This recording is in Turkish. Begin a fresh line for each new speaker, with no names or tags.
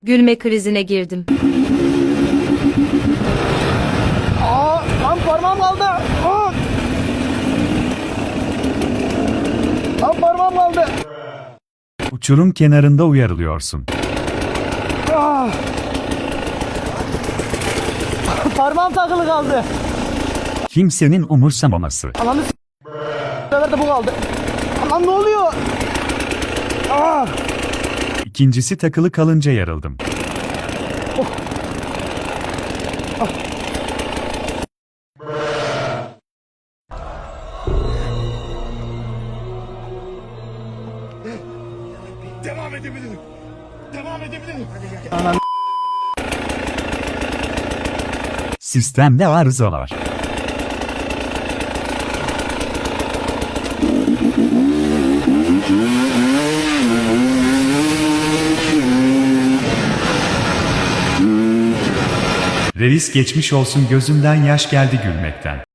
Gülme krizine girdim.
Lan parmağım kaldı. Lan parmağım kaldı.
Uçurum kenarında uyarılıyorsun.
Parmağım takılı kaldı.
Kimsenin umursamaması.
Ananı bu sefer de bu kaldı. Lan ne oluyor?
İkincisi takılı kalınca yarıldım.
Devam edebilirim. Devam edebilirim.
Sistemde arızalar. Reis geçmiş olsun, gözümden yaş geldi gülmekten.